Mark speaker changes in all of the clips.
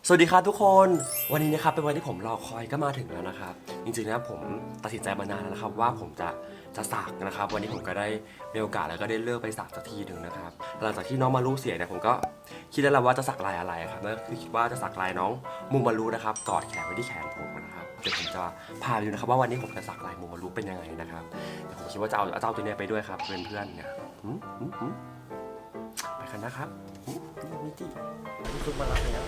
Speaker 1: สวัสดีครับทุกคนวันนี้นะครับเป็นวันที่ผมรอคอยก็มาถึงแล้วนะครับจริงๆนะผมตัดสินใจมานานแล้วนะครับว่าผมจะสักนะครับวันนี้ผมก็ได้มีโอกาสแล้วก็ได้เลือกไปสักสักทีหนึ่งนะครับหลังจากที่น้องมารุเสียเนี่ยผมก็คิดได้แล้วว่าจะสักลายอะไรครับนั่นคือคิดว่าจะสักลายน้องมูมารุนะครับกอดแขนไว้ที่แขนผมนะครับเดี๋ยวผมจะพาไปดูนะครับว่าวันนี้ผมจะสักลายมูมารุเป็นยังไงนะครับเดี๋ยวผมคิดว่าจะเอาเจ้าตัวนี้ไปด้วยครับเพื่อนๆเนี่ยไปกันนะครับมิจินี่ซุกมารับแล้ว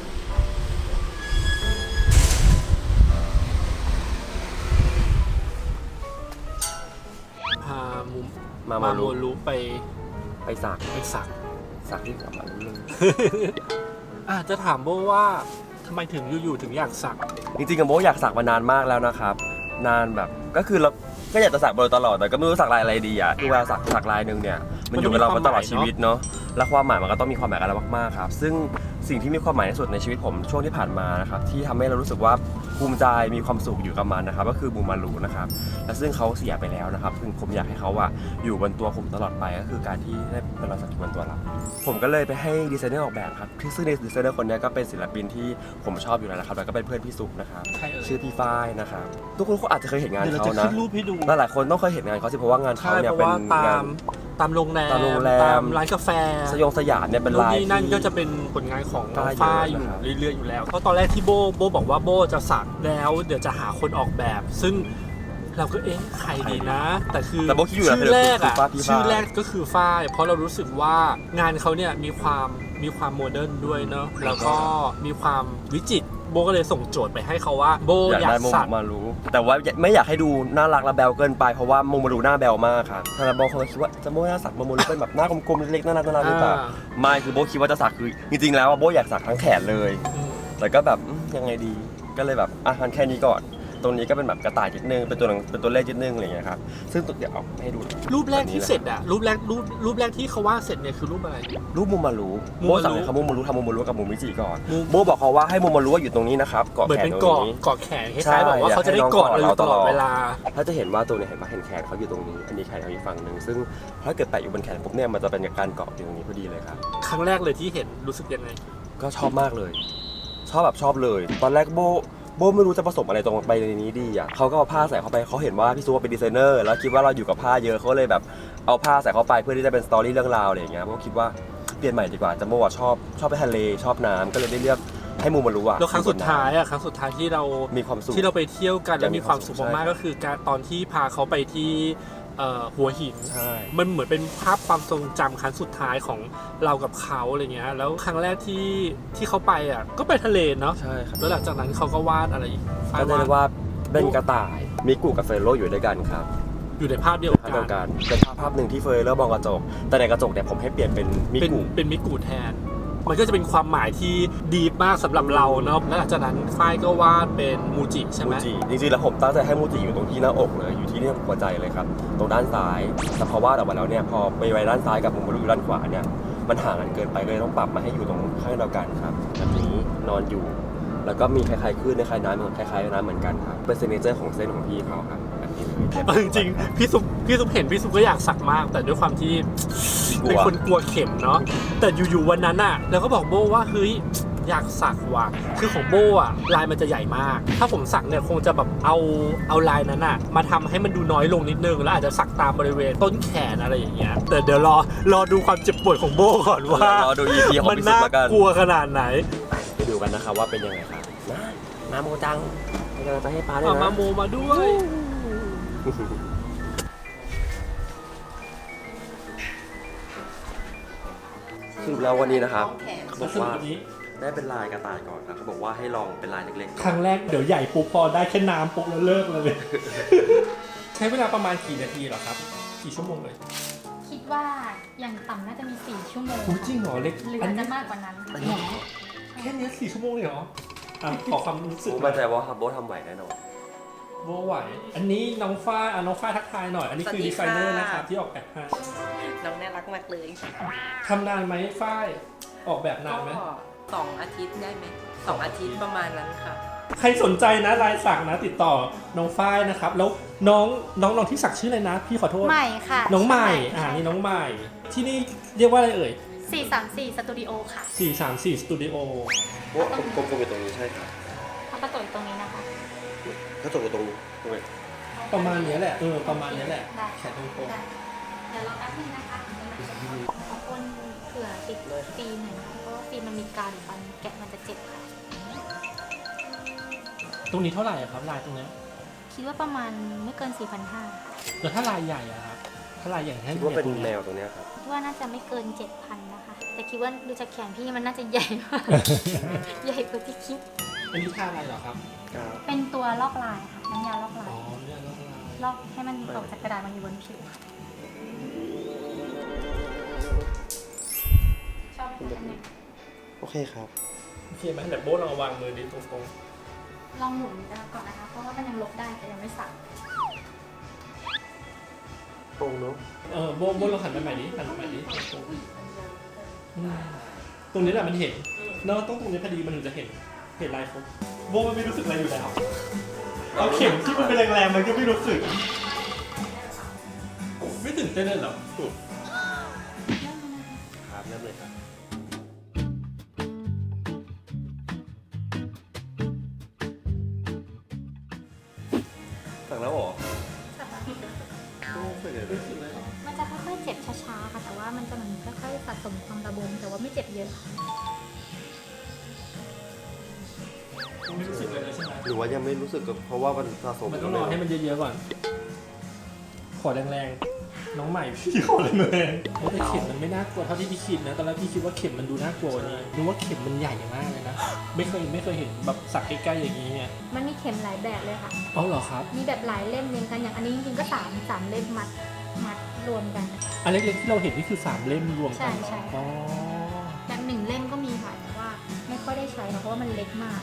Speaker 2: พา
Speaker 1: มา
Speaker 2: โมรุไป
Speaker 1: สักที่หัวมันนึง
Speaker 2: จะถามโบว่าทำไมถึงอยู่ๆถึงอยากสัก
Speaker 1: จริงๆกับโบอยากสักมานานมากแล้วนะครับนานแบบก็คือเราก็อยากจะสักมาโดยตลอดแต่ก็ไม่รู้สักลายอะไรดีอ่ะคือเวลาสักลายนึงเนี่ยมันอยู่กับเรามาตลอดชีวิตเนาะและความหมายมันก็ต้องมีความหมายกับเรามากๆครับซึ่งสิ่งที่มีความหมายที่สุดในชีวิตผมช่วงที่ผ่านมานะครับที่ทำให้เรารู้สึกว่าภูมิใจมีความสุขอยู่กับมันนะครับก็คือมูมารุนะครับและซึ่งเขาเสียไปแล้วนะครับซึ่งผมอยากให้เขาอยู่บนตัวผมตลอดไปก็คือการที่ได้เป็นรอยสักบนตัวเราผมก็เลยไปให้ดีไซเนอร์ออกแบบครับซึ่งดีไซเนอร์คนนี้ก็เป็นศิลปินที่ผมชอบอยู่แล้วนะครับแล้วก็เป็นเพื่อนพี่ซุปนะครับชื่อพี่ฝ้ายนะครับทุกคนอาจจะเคยเห็นงานเขานะหลายคนต้องเคยเห็นงานเขาสิเพราะว่างานเขาเนี่ยเป็นงาน
Speaker 2: ตามโรงแรมตามร้านกาแฟ
Speaker 1: สยามเนี่ยเป็นลาย
Speaker 2: ที่นั่นก็จะเป็นผลงานของน้องฝ้ายอยู่เรื่อยๆอยู่แล้วเพราะตอนแรกที่โบบอกว่าโบจะสักแล้วเดี๋ยวจะหาคนออกแบบซึ่งเราก็ใครดีนะแต่คือชื่อแรกก็คือฝ้ายเพราะเรารู้สึกว่างานเขาเนี่ยมีความโมเดิร์นด้วยเนาะแล้วก็มีความวิจิตรโบก็เลยส่งโจทย์ไปให้เขาว่าโบอยากสัก
Speaker 1: มารู้แต่ว่าไม่อยากให้ดูน่ารักและแบลเกินไปเพราะว่าโมมารุหน้าแบลมากครับถ้าโบเขาคิดว่าจะโบอยากสักโมมารุเป็นแบบหน้ากลมๆเล็กๆน่ารักหรือเปล่าไม่คือโบคิดว่าจะสักคือจริงๆแล้วโบอยากสักทั้งแขนเลยแต่ก็แบบยังไงดีก็เลยแบบงั้นแค่นี้ก่อนตรงนี้ก็เป็นแบบกระต่ายนิดนึงเป็นตัวเลขนิดนึงอะไรอย่างเงี้ยครับซึ่งเดี๋ยวเอาให้ดู
Speaker 2: รูปแรกที่เสร็จรูปแรกที่เขาว่าเสร็จเนี่ยคือรูปอะไร
Speaker 1: รูปมูมารุโบสั่งให้เขามูมารุทำมูมารุกับมูมิจิก่อนโบบอกเขาว่าให้มูมารุอยู่ตรงนี้นะครับเกาะแขนตรงนี้
Speaker 2: เกาะแขนคล้ายๆแบบว่าเขาจะได้เกาะเราตลอดเวลา
Speaker 1: ถ้าจะเห็นว่าตัวนี้เห็นแขนเขาอยู่ตรงนี้อันนี้แขนเขาอีกฝั่งนึงซึ่งถ้าเกิดแปะอยู่บนแขนปุ๊บเนี่ยมันจะเป็นการเกาะอยู่ตรงนี้พอดีเลยครับ
Speaker 2: ครั้งแรกเลยที่เห็นรู้สึกยังไง
Speaker 1: ก็ชอบมากเลยชอบเลยตอนแรกโบไม่รู้จะผสมอะไรตรงไปในนี้ดีอ่ะเขาก็เอาผ้าใส่เข้าไปเขาเห็นว่าพี่ซูเป็นดีไซเนอร์แล้วคิดว่าเราอยู่กับผ้าเยอะเขาเลยแบบเอาผ้าใส่เข้าไปเพื่อที่จะเป็นสตอรี่เรื่องราวอะไรอย่างเงี้ยโบคิดว่าเปลี่ยนใหม่ดีกว่าจัมโบ้ชอบไปทะเลชอบน้ำก็เลยได้เลือกให้มูมารุ
Speaker 2: แล้วครั้งสุดท้ายที่เรา
Speaker 1: มีความสุข
Speaker 2: ที่เราไปเที่ยวกันแล้วมีความสุขมากๆก็คือการตอนที่พาเขาไปที่หัวหินมันเหมือนเป็นภาพความทรงจำครั้งสุดท้ายของเรากับเขาอะไรเงี้ยแล้วครั้งแรกที่เขาไปก็ไปทะเลเนาะ
Speaker 1: ใช่ครับ
Speaker 2: แล้วหลังจากนั้นเขาก็วาดอะไรอีก
Speaker 1: ก็ได้ว่าเป็นกระต่ายมิกุกับเฟโร่อยู่ด้วยกันครับ
Speaker 2: อยู่ในภาพเดียว
Speaker 1: กันเป็นภาพหนึ่งที่เฟโร่มองกระจกแต่ในกระจกเนี่ยผมให้เปลี่ยนเป็น
Speaker 2: มิกุแทนมันก็จะเป็นความหมายที่ดีมากสำหรับเราเนาะและหลังจากนั้นฝ้ายก็วาดเป็นมูจิใช่ไหม
Speaker 1: จริงๆแล้วผมตั้งใจให้มูจิอยู่ตรงที่หน้าอกเลยอยู่ที่นี่หัวใจเลยครับตรงด้านซ้ายแต่พอวาดออกมาแล้วเนี่ยพอไปไว้ด้านซ้ายกับมูมารุด้านขวาเนี่ยมันห่างกันเกินไปเลยต้องปรับมาให้อยู่ตรงข้างเดียวกันครับแบบนี้นอนอยู่แล้วก็มีคล้ายๆคลื่นคล้ายๆน้ำคล้ายๆน้ำเหมือนกันครับเป็นซิกเนเจอร์ของเส้นของพี่เขาครับ
Speaker 2: จริงๆพี่ซุปเห็นพี่ซุปก็อยากสักมากแต่ด้วยความที่เป็นคนกลัวเข็มเนาะแต่อยู่ๆวันนั้นเราก็บอกโบว่าเฮ้ยอยากสักว่ะคือของโบลายมันจะใหญ่มากถ้าผมสักเนี่ยคงจะแบบเอาลายนั้นมาทำให้มันดูน้อยลงนิดนึงแล้วอาจจะสักตามบริเวณต้นแขนอะไรอย่างเงี้ยแต่เดี๋ยวรอดูความเจ็บปวดของโบก่อนว่าร
Speaker 1: อดู EP ของพี่ซุปแล้วกัน
Speaker 2: มันน่ากลัวขนาดไหน
Speaker 1: ไปดูกันนะครับว่าเป็นยังไงครับมาโมจังจะให้ป้าด้วยนะ
Speaker 2: มาโมมาด้วย
Speaker 1: คือแล้ววันนี้นะครับเขาบอกว่าได้เป็นลายกระต่ายก่อนครับเขาบอกว่าให้ลองเป็นลายเล็ก
Speaker 2: ๆครั้งแรกเดี๋ยวใหญ่ปุ๊บพอได้แค่น้ำปุ๊บแล้วเลิกเลยใช้เวลาประมาณกี่นาทีเหรอครับกี่ชั่วโมงเลย
Speaker 3: คิดว่าอย่างต่ำน่าจะมี4 ชั่วโมง
Speaker 2: จริงเหรอเล็ก
Speaker 3: หรือจะมากกว่านั้น
Speaker 2: แค่นี้4 ชั่วโมงเลยเหรอขอความรู้สึก
Speaker 1: มั่นใจว่าโบทำไหวแน่นอน
Speaker 2: โบไหวอันนี้น้องฝ้ายทักทายหน่อยอันนี้คือดีไซเนอร์นะครับที่ออกแบบให้
Speaker 4: น้องน่ารักมากเลย
Speaker 2: ทำนานไหมฝ้ายออกแบบนานไหม
Speaker 4: 2 อาทิตย์ได้ไหม2 อาทิตย์ประมาณนั้นค่ะ
Speaker 2: ใครสนใจนะลายสักนะติดต่อน้องฝ้ายนะครับแล้วน้องที่สักชื่ออะไรนะพี่ขอโทษ
Speaker 3: ใหม่ค่ะ
Speaker 2: น้องใหม่นี่น้องใหม่ที่นี่เรียกว่าอะไรเอ่ย
Speaker 3: 434 สตูดิโอค่ะ
Speaker 2: 434 สตูดิโอ
Speaker 1: เพราะว่ากลมๆอยู่ตรงนี้ใช่ครับ
Speaker 3: เขากระโดดตรงนี้นะคะ
Speaker 1: ก็ตกอยู่ตรงนี้
Speaker 2: ประมาณนี้แหละประมาณนี้แหละ
Speaker 3: ได้
Speaker 2: แขนตรง
Speaker 3: ได้เดี๋ยวเราแป๊บนึงนะคะขอคนเผื่อติดฟิล์มหน่อยนะคะเพราะว่าฟิล์มมันมีการตอนแกะมันจะเจ็บค่ะ
Speaker 2: ๆตรงนี้เท่าไหร่อะครับลายตรงเนี้ย
Speaker 3: คิดว่าประมาณไม่เกิน 4,500 ค่ะ
Speaker 2: แล้วถ้าลายใหญ่อะครับถ้าลายใหญ่ให้
Speaker 1: คิดว่าเป็น
Speaker 2: ตรง
Speaker 1: แน
Speaker 2: นี้
Speaker 1: วตรงเนี้ยครับ
Speaker 3: คิดว่าน่าจะไม่เกิน 7,000 นะคะ แต่คิดว่าดูจากแขนพี่มันน่าจะใหญ่มาก ใหญ่กว่าที่คิด
Speaker 2: อันนี้ท่าอะไรเหรอครับ
Speaker 3: เป็นตัวลอกลายค่ะน้ำยาลอกลา
Speaker 2: อ๋
Speaker 3: ย
Speaker 2: อเนี่ยลาย
Speaker 3: ลอกให้มันออกจากกระดาษมันอยู่บนผิวค่ะชอบไหมคะอันเนี้ย
Speaker 1: โอเคครับ
Speaker 2: โอเคไหมแบบโบ๊ทลองวางมือดิตรง
Speaker 3: ลองหมุนก่อนนะคะ เพราะว่ามันยังลบได้แต่ยังไม่สัก
Speaker 1: ตรงเนาะ
Speaker 2: ๆโบ๊ทลองหันไปใหม่ดิหันไปใหม่ดิตรงนี้แหละมันเห็นเนาะต้องตรงนี้พอดีมันถึงจะเห็นลายครบโบ๊ทมันไม่รู้สึกอะไรอยู่แล้วเอาเข็มที่มันเป็นแรงๆมันก็ไม่รู้สึกไม่ตื่นเต้นเลยเหรอ
Speaker 1: ครับเริ่มเลยครับสั่งแล้วเหรอ
Speaker 3: สักพัก
Speaker 1: โอ้ไม่เลย
Speaker 3: มันจะค่อยๆเจ็บช้าๆค่ะ แต่ว่ามันจะเหมือนค่อยๆสะสมความระบมแต่ว่าไม่เจ็บเยอะค่ะ
Speaker 2: ไม่รู้สึกเลยใช่ไหม
Speaker 1: หรือว่ายังไม่รู้สึกกับเพราะว่ามันสะสม
Speaker 2: มันต้องรอให้มันเยอะๆก่อนขอแรงๆน้องใหม่พี่ขอแรงๆแต่เข็มมันไม่น่ากลัวเท่าที่พี่คิดนะตอนแรกพี่คิดว่าเข็มมันดูน่ากลัวนี่นึกว่าเข็มมันใหญ่มากเลยนะไม่เคยเห็นแบบสักใกล้ๆอย่างนี้ไง
Speaker 3: มันมีเข็มหลายแบบเลยค่ะ
Speaker 2: อ๋อเหรอครับ
Speaker 3: มีแบบหลายเล่มเรียงกันอย่างอันนี้จริงๆก็สามเล่มมัดรวมกัน
Speaker 2: อันเล็กๆที่เราเห็นนี่คือ3เล่มรวมกัน
Speaker 3: ใช่
Speaker 2: อ๋อ
Speaker 3: แบบ1 เล่มก็มีค่ะแต่ว่าไม่ค่อยได้ใช้เพราะว่ามันเล็กมาก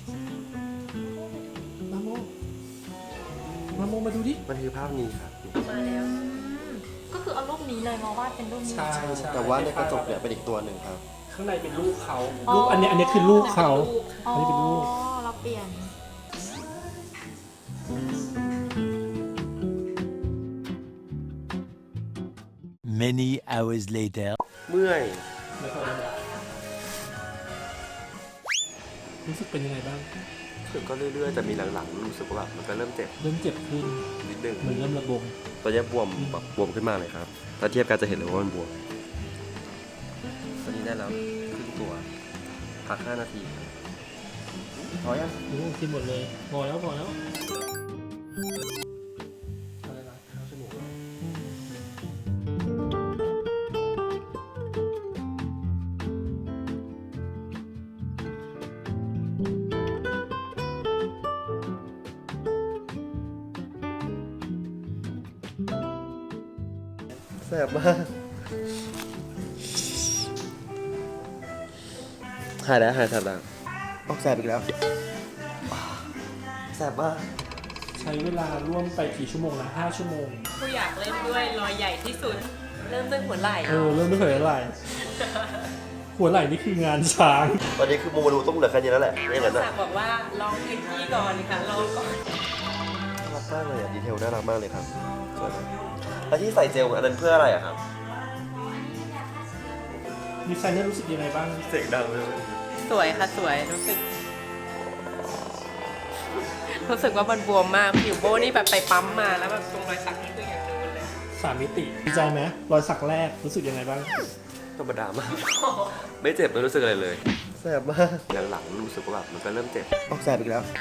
Speaker 2: มาโมมาดูดิ
Speaker 1: มันคือภาพนี้ครับ
Speaker 4: มาแล้ว
Speaker 3: ก็คือเอารูปนี้เลยมาวาดเป็นรูปนี้
Speaker 2: ใช่
Speaker 1: แต่ว่าในกระจกเนี่ยเป็นอีกตัวหนึ่งครับ
Speaker 2: ข้างในเป็นรูปเขารูปอันนี้คือรูปเขา
Speaker 3: อ๋อ
Speaker 2: อันนี้เป็นรูป
Speaker 3: เราเปลี่ยน
Speaker 5: Many hours later.
Speaker 1: เมื่อย
Speaker 2: แล้วก็รู้สึกเป็นยังไงบ้าง
Speaker 1: รู้สึกก็เรื่อยๆแต่มีหลังๆรู้สึกว่าแบบมันก็เริ่มเจ็บ
Speaker 2: เริ่มเจ็บขึ้น
Speaker 1: นิดนึง
Speaker 2: มันเริ่มระบม
Speaker 1: ตอนนี้บวมแบบบวมขึ้นมาเลยครับ ถ้าเทียบกันจะเห็นเลยว่ามันบวม ตอนนี้ได้แล้วครึ่งตัว พัก5 นาทีครับพอยัง
Speaker 2: โอ้กินหมดเลยพอแล้ว
Speaker 1: แสบมากหายแล้วหายแสบแล้วออกแสบอีกแล้วแสบมาก
Speaker 2: ใช้เวลาร่วมไปกี่ชั่วโมงนะ5 ชั่วโมง
Speaker 4: ผู้อยากเริ่มด้วยรอยใหญ่ที่สุด เริ่มด้วยหัวไหล่
Speaker 2: เริ่มไม่เคยอะไรหัวไหล่นี่คืองานช้าง
Speaker 1: ตอนนี้คือโมรูต้องเหลือแค่นี้แล้วแหละไม่อย่างนั้น
Speaker 4: สั
Speaker 1: อะ
Speaker 4: กบอกว่าลองพื้นที่ก่อนค่ะลองก่อน
Speaker 1: น่ารักมากเลยอะดีเทลน่ารักมากเลยครับสวยมากแล้วที่ใส่เจลอันนั้นเพื่ออะไรอะครับ
Speaker 2: ดีไซเนอร์รู้สึกยังไงบ้าง
Speaker 1: เสียงดังเลย
Speaker 4: สวยค่ะสวยรู้สึกว่ามันบวมมากผิวโบนี่แบบไปปั๊มมาแล้วแบบตรงรอยสักนี่คืออย่างนูนเลย
Speaker 2: 3 มิติดีใจไหมรอยสักแรกรู้สึกยังไงบ้าง
Speaker 1: ธรรมดามาก ไม่เจ็บไม่รู้สึกอะไรเลยแสบมากหลังๆรู้สึกว่าแบบมันก็เริ่มเจ็บออกแสบอีกแล้ว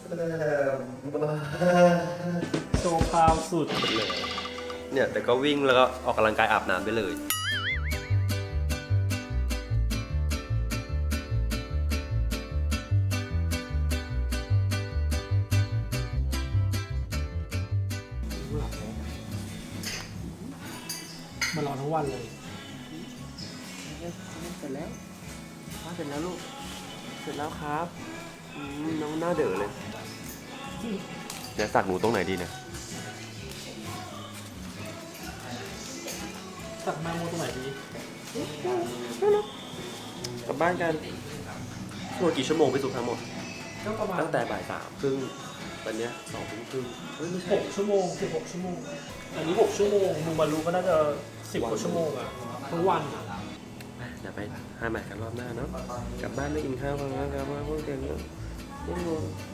Speaker 2: โชว์พาวสุด
Speaker 1: เลยเนี่ยแต่ก็วิ่งแล้วก็ออกกำลังกายอาบน้ำได้เลย
Speaker 2: มารอทั้งวันเลย
Speaker 1: เสร็จแล้วเสร็จแล้วลูกเสร็จแล้วครับน้องหน้าเด๋อเลยเนี่ยสักหนูตรงไหนดีเนี่ย
Speaker 2: สักมาโมตรงไหนดี
Speaker 1: กลับบ้านกันทั้งหมดกี่ชั่วโมงไปสุดทั้งหมด
Speaker 2: ก็ประมาณ
Speaker 1: ตั้งแต่บ่าย3 ครึ่งตอนเนี้ย2 ทุ่มครึ่งเฮ้ยไม่ใช่
Speaker 2: 6 ชั่วโมง16 ชั่วโมง อันนี้6 ชั่วโมงมูมารู้ก็น่าจะ10 กว่าชั่วโมงอะทั้งวันอะ
Speaker 1: อย่าไปหาใหม่กันรอบหน้าเนาะกลับบ้านไม่กินข้าวกันแล้วกลับบ้านพวกเด็กเนาะ